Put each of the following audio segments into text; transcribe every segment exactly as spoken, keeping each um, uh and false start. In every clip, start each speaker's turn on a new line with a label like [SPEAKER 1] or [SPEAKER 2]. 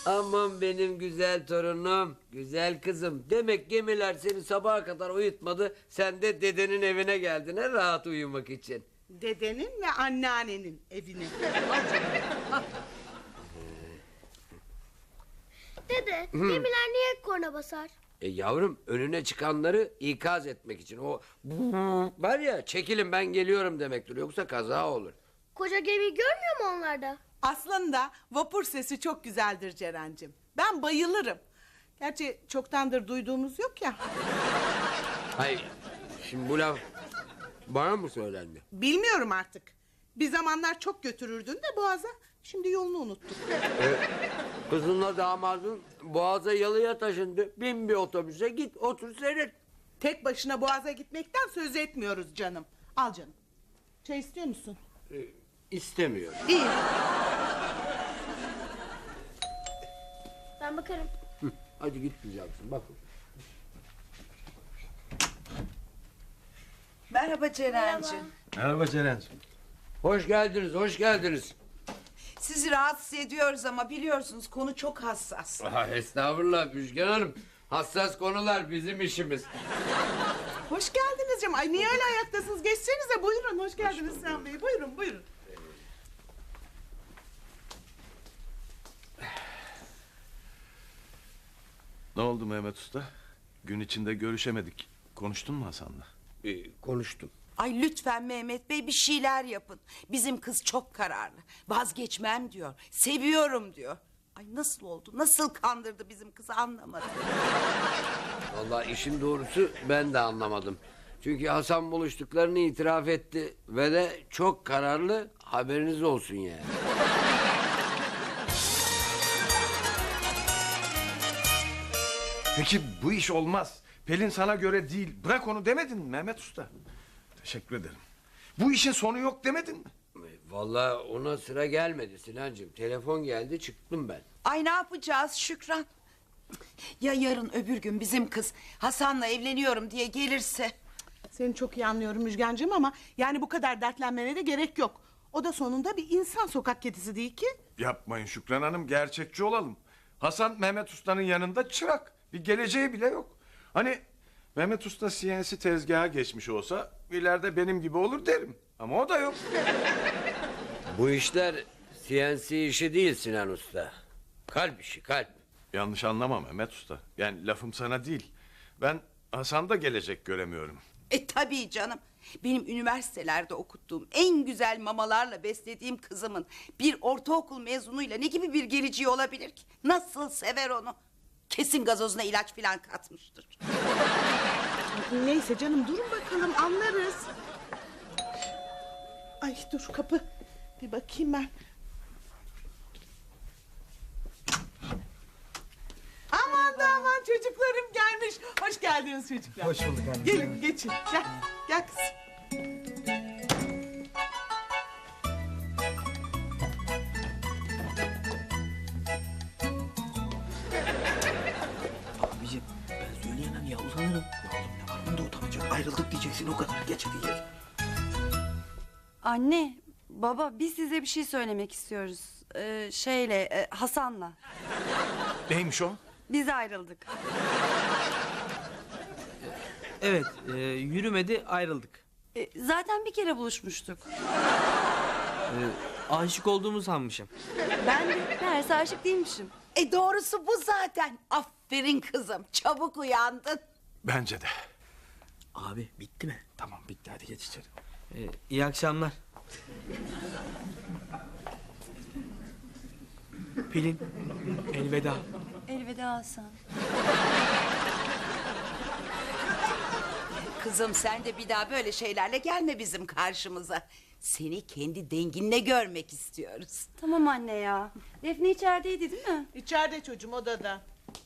[SPEAKER 1] Aman benim güzel torunum, güzel kızım. Demek gemiler seni sabaha kadar uyutmadı. Sen de dedenin evine geldin ha, rahat uyumak için.
[SPEAKER 2] Dedenin ve anneannenin evine.
[SPEAKER 3] Dede, gemiler niye korna basar?
[SPEAKER 1] E yavrum, önüne çıkanları ikaz etmek için. O var ya, çekilin ben geliyorum demektir. Yoksa kaza olur.
[SPEAKER 3] Koca gemiyi görmüyor mu onlarda?
[SPEAKER 2] Aslında vapur sesi çok güzeldir Ceren'cim. Ben bayılırım. Gerçi çoktandır duyduğumuz yok ya.
[SPEAKER 1] Hayır, şimdi bu laf bana mı söylendi?
[SPEAKER 2] Bilmiyorum artık. Bir zamanlar çok götürürdün de Boğaz'a. Şimdi yolunu unuttuk.
[SPEAKER 1] E, kızınla damadın Boğaz'a yalıya taşındı. Bin bir otobüse git otur seyret.
[SPEAKER 2] Tek başına Boğaz'a gitmekten söz etmiyoruz canım. Al canım. Çay istiyor musun?
[SPEAKER 1] E, istemiyor.
[SPEAKER 2] İyi.
[SPEAKER 3] Ben bakarım.
[SPEAKER 1] Hı, hadi git güzelsin bakın.
[SPEAKER 4] Merhaba Ceren'cim.
[SPEAKER 5] Merhaba Ceren'ciğim.
[SPEAKER 1] Hoş geldiniz, hoş geldiniz.
[SPEAKER 4] Sizi rahatsız ediyoruz ama biliyorsunuz konu çok hassas.
[SPEAKER 1] Aha, estağfurullah Müjgan Hanım. Hassas konular bizim işimiz.
[SPEAKER 2] Hoş geldiniz canım. Ay niye öyle ayaktasınız? Geçsenize buyurun. Hoş geldiniz Sen Bey. Buyurun buyurun.
[SPEAKER 5] Ne oldu Mehmet Usta? Gün içinde görüşemedik. Konuştun mu Hasan'la?
[SPEAKER 1] Ee, konuştum.
[SPEAKER 4] Ay lütfen Mehmet Bey bir şeyler yapın. Bizim kız çok kararlı. Vazgeçmem diyor. Seviyorum diyor. Ay nasıl oldu? Nasıl kandırdı bizim kızı anlamadım.
[SPEAKER 1] Vallahi işin doğrusu ben de anlamadım. Çünkü Hasan buluştuklarını itiraf etti ve de çok kararlı, haberiniz olsun yani.
[SPEAKER 5] Peki bu iş olmaz. Pelin sana göre değil. Bırak onu demedin mi Mehmet Usta? Teşekkür ederim. Bu işin sonu yok demedin mi?
[SPEAKER 1] Vallahi ona sıra gelmedi Sinancığım. Telefon geldi çıktım ben.
[SPEAKER 4] Ay ne yapacağız Şükran? Ya yarın öbür gün bizim kız Hasan'la evleniyorum diye gelirse?
[SPEAKER 2] Seni çok iyi anlıyorum Müjgancığım ama yani bu kadar dertlenmene de gerek yok. O da sonunda bir insan, sokak kedisi değil ki.
[SPEAKER 5] Yapmayın Şükran Hanım, gerçekçi olalım. Hasan Mehmet Usta'nın yanında çırak. Bir geleceği bile yok. Hani Mehmet Usta C N C tezgaha geçmiş olsa ileride benim gibi olur derim. Ama o da yok.
[SPEAKER 1] Bu işler C N C işi değil Sinan Usta. Kalp işi, kalp.
[SPEAKER 5] Yanlış anlama Mehmet Usta. Yani lafım sana değil. Ben Hasan'da gelecek göremiyorum.
[SPEAKER 4] E tabii canım. Benim üniversitelerde okuttuğum en güzel mamalarla beslediğim kızımın bir ortaokul mezunuyla ne gibi bir geleceği olabilir ki? Nasıl sever onu? Kesin gazozuna ilaç falan katmıştır.
[SPEAKER 2] Neyse canım durun bakalım anlarız. Ay dur kapı. Bir bakayım ben. Aman da aman çocuklarım gelmiş. Hoş geldiniz çocuklar.
[SPEAKER 6] Hoş bulduk anne.
[SPEAKER 2] Gelin geçin. Gel. Gel kızım.
[SPEAKER 6] Abicim ben söyleyemem ya, utanırım. Ya oğlum ne var bunda utanacak? Ayrıldık diyeceksin, o kadar. Geç hadi geç.
[SPEAKER 7] Anne, baba biz size bir şey söylemek istiyoruz. Ee, şeyle, e, Hasan'la.
[SPEAKER 5] Neymiş o?
[SPEAKER 7] Biz ayrıldık.
[SPEAKER 6] Evet, e, yürümedi, ayrıldık.
[SPEAKER 7] E, zaten bir kere buluşmuştuk.
[SPEAKER 6] E, aşık olduğumu sanmışım.
[SPEAKER 7] Ben de meğerse aşık değilmişim.
[SPEAKER 4] E doğrusu bu zaten. Aferin kızım. Çabuk uyandın.
[SPEAKER 5] Bence de.
[SPEAKER 6] Abi bitti mi? Tamam bitti, hadi geç içeri. E, iyi akşamlar. Pelin, elveda.
[SPEAKER 7] Elveda Hasan.
[SPEAKER 4] Kızım sen de bir daha böyle şeylerle gelme bizim karşımıza. Seni kendi denginle görmek istiyoruz.
[SPEAKER 7] Tamam anne ya. Defne içerideydi değil mi?
[SPEAKER 2] İçeride çocuğum odada.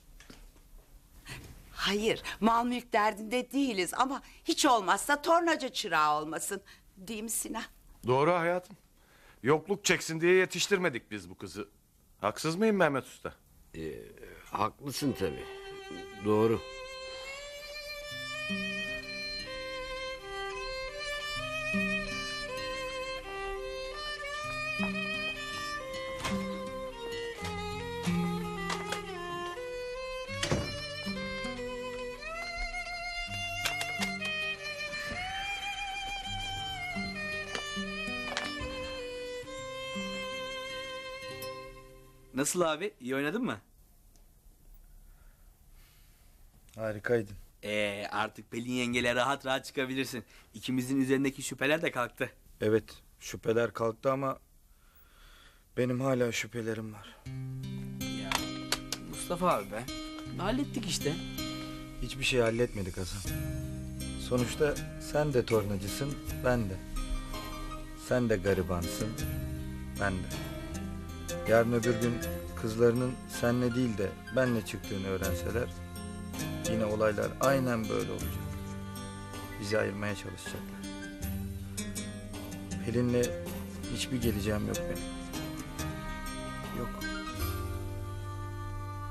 [SPEAKER 4] Hayır, mal mülk derdinde değiliz ama hiç olmazsa tornacı çırağı olmasın. Değil mi Sinan?
[SPEAKER 5] Doğru hayatım. Yokluk çeksin diye yetiştirmedik biz bu kızı. Haksız mıyım Mehmet Usta?
[SPEAKER 1] Ee, haklısın tabii. Doğru.
[SPEAKER 6] Nasıl abi? İyi oynadın mı?
[SPEAKER 8] Harikaydın.
[SPEAKER 6] Ee, artık Pelin yengeyle rahat rahat çıkabilirsin. İkimizin üzerindeki şüpheler de kalktı.
[SPEAKER 8] Evet, şüpheler kalktı ama benim hala şüphelerim var.
[SPEAKER 6] Ya Mustafa abi be. Hallettik işte.
[SPEAKER 8] Hiçbir şey halletmedik Hasan. Sonuçta sen de tornacısın, ben de. Sen de garibansın, ben de. Yarın öbür gün kızlarının senle değil de benle çıktığını öğrenseler yine olaylar aynen böyle olacak. Bizi ayırmaya çalışacaklar. Pelin'le hiçbir geleceğim yok benim. Yok.